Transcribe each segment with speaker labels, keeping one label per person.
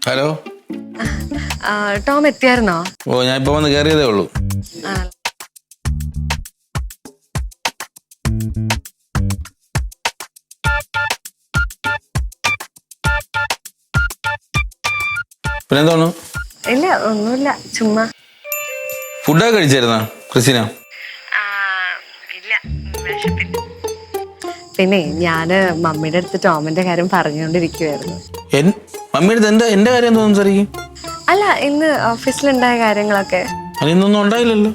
Speaker 1: Hello.
Speaker 2: Tom എത്തിയായിരുന്നോ?
Speaker 1: ഓ, ഞാൻ ഇപ്പൊ വന്ന് കയറിയതേ ഉള്ളൂ. പിന്നെന്തോന്നു?
Speaker 2: ഇല്ല, ഒന്നുമില്ല, ചുമ്മാ.
Speaker 1: ഫുഡൊക്കെ കഴിച്ചായിരുന്നോ ക്രിസ്റ്റീന?
Speaker 2: പിന്നെ ഞാന് മമ്മിയുടെ അടുത്ത് ടോമിന്റെ കാര്യം പറഞ്ഞുകൊണ്ടിരിക്കുവായിരുന്നു.
Speaker 1: മമ്മിയുടെ അടുത്ത് എന്റെ കാര്യം എന്തോ സംസാരിക്കും?
Speaker 2: അല്ല, ഇന്ന് ഓഫീസിലുണ്ടായ കാര്യങ്ങളൊക്കെ.
Speaker 1: അതിന്നൊന്നും ഉണ്ടായില്ലല്ലോ.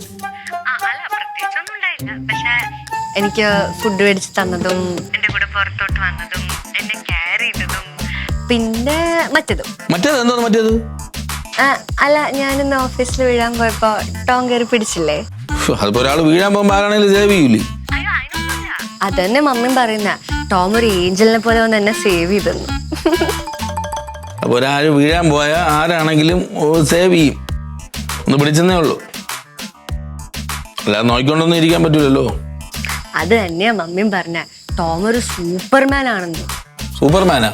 Speaker 2: എനിക്ക് ഫുഡ് മേടിച്ച് തന്നതും എന്റെ കൂടെ പുറത്തോട്ട് വന്നതും എന്നെ കെയർ ചെയ്തതും പിന്നെ മറ്റേത്
Speaker 1: എന്തോന്ന് മറ്റേത്?
Speaker 2: അല്ല, ഞാനിന്ന് ഓഫീസിൽ വീഴാൻ പോയപ്പോ ടോം കയറി പിടിച്ചില്ലേ?
Speaker 1: അതിപ്പോ ഒരാൾ വീഴാൻ പോകുമ്പോ ആരാണെങ്കിലും സേവ് ചെയ്യൂലേ?
Speaker 2: അതന്നെ മമ്മിയും പറയുന്ന. ടോം ഒരു ഏഞ്ചലിനെ പോലെ വന്ന് എന്നെ സേവ് ചെയ്തെന്നു.
Speaker 1: അപ്പൊ ഒരാൾ വീഴാൻ പോയാൽ ആരാണെങ്കിലും സേവ് ചെയ്യും. ഒന്ന് പിടിച്ചെന്നേ ഉള്ളൂ, അല്ലാതെ നോക്കിക്കൊണ്ടൊന്നും ഇരിക്കാൻ പറ്റൂലല്ലോ.
Speaker 2: അത് തന്നെയാ മമ്മിയും പറഞ്ഞ. ടോം ഒരു സൂപ്പർമാൻ ആണെന്ന്.
Speaker 1: സൂപ്പർമാനാ?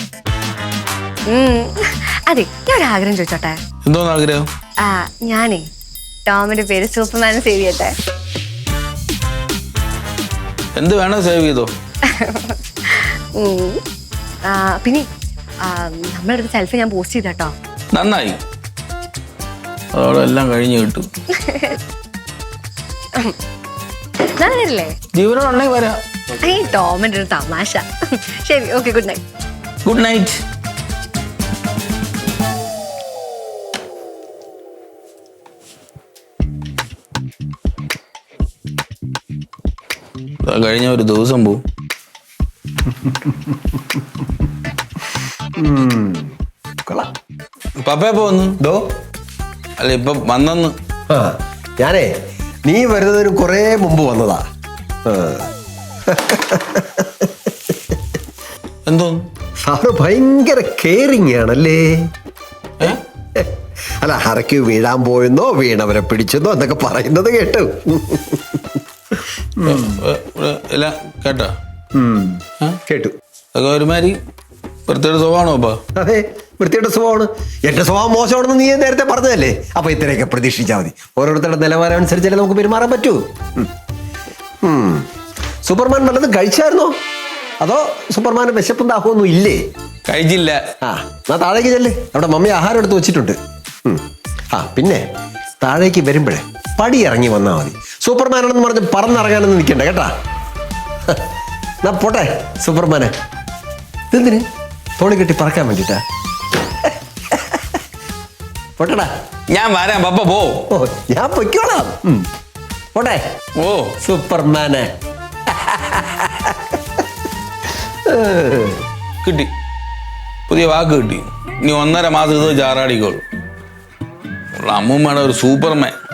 Speaker 2: അതെ, ഞാൻ ഒരു ആഗ്രഹം ചോദിച്ചോട്ടെ?
Speaker 1: എന്തോന്ന് ആഗ്രഹം?
Speaker 2: ഞാനേ ടോമിന്റെ പേര് സൂപ്പർമാൻ സേവ് ചെയ്യട്ടെ.
Speaker 1: എന്ത് വേണോ സേവ് ചെയ്തോ.
Speaker 2: പിന്നെ നമ്മുടെ അടുത്ത് സെൽഫി ഞാൻ പോസ്റ്റ് ചെയ്തോ.
Speaker 1: നന്നായി, അതോടെ എല്ലാം കഴിഞ്ഞു കിട്ടും.
Speaker 2: നല്ലതല്ലേ?
Speaker 1: ജീവനോടുണ്ടെങ്കിൽ വരാം.
Speaker 2: ടോമിന്റെ ഒരു തമാശ. ശരി, okay, good night.
Speaker 1: Good night. കഴിഞ്ഞ ഒരു ദിവസം പോവും. പപ്പ പോന്നു. അല്ല, ഇപ്പൊ വന്നെന്ന്.
Speaker 3: ഞാനേ നീ വരുന്നതിന് കുറെ മുമ്പ് വന്നതാ.
Speaker 1: എന്തോന്ന്?
Speaker 3: സാറ് ഭയങ്കര കെയറിങ് ആണല്ലേ. അല്ല, ഹറയ്ക്ക് വീഴാൻ പോയെന്നോ വീണവരെ പിടിച്ചെന്നോ എന്നൊക്കെ പറയുന്നത് കേട്ടു.
Speaker 1: എല്ലാം കേട്ടോ?
Speaker 3: കേട്ടു.
Speaker 1: അതൊക്കെ ഒരുമാതിരി വൃത്തിയുടെ സ്വഭാവമാണോ അപ്പ?
Speaker 3: അതെ, വൃത്തിയുടെ സ്വഭാവമാണ്. എന്റെ സ്വഭാവം മോശമാണെന്ന് നീ നേരത്തെ പറഞ്ഞതല്ലേ. അപ്പൊ ഇത്രയൊക്കെ പ്രതീക്ഷിച്ചാൽ മതി. ഓരോരുത്തരുടെ നിലവാരം അനുസരിച്ചല്ലേ നമുക്ക് പെരുമാറാൻ പറ്റൂ. സൂപ്പർമാൻ വല്ലതും കഴിച്ചായിരുന്നോ? അതോ സൂപ്പർമാന് വിശപ്പും ദാഹമൊന്നും ഇല്ലേ?
Speaker 1: കഴിച്ചില്ല.
Speaker 3: എന്നാ താഴേക്ക് ചെല്ലേ, അവിടെ മമ്മി ആഹാരം എടുത്ത് വെച്ചിട്ടുണ്ട്. പിന്നെ താഴേക്ക് വരുമ്പോഴേ പടി ഇറങ്ങി വന്നാൽ മതി. സൂപ്പർമാനാണെന്ന് പറഞ്ഞ് പറന്നിറങ്ങാനൊന്നും നിൽക്കണ്ട കേട്ടാ. എന്നാ പോട്ടെ സൂപ്പർമാനെ. ഇതെന്തിന് തോണി കെട്ടി പറക്കാൻ വേണ്ടിട്ടാ? പോട്ടടാ.
Speaker 1: ഞാൻ വരാം, പപ്പ പോ.
Speaker 3: ഓ, ഞാൻ പൊയ്ക്കോളാം. പോട്ടെ.
Speaker 1: ഓ,
Speaker 3: സൂപ്പർമാനെ.
Speaker 1: കിട്ടി, പുതിയ വാക്ക് കിട്ടി. ഇനി 1.5 മാസം ഇത് ചാറാടിക്കോളൂ. അമ്മൂമ്മയുടെ ഒരു സൂപ്പർമാൻ.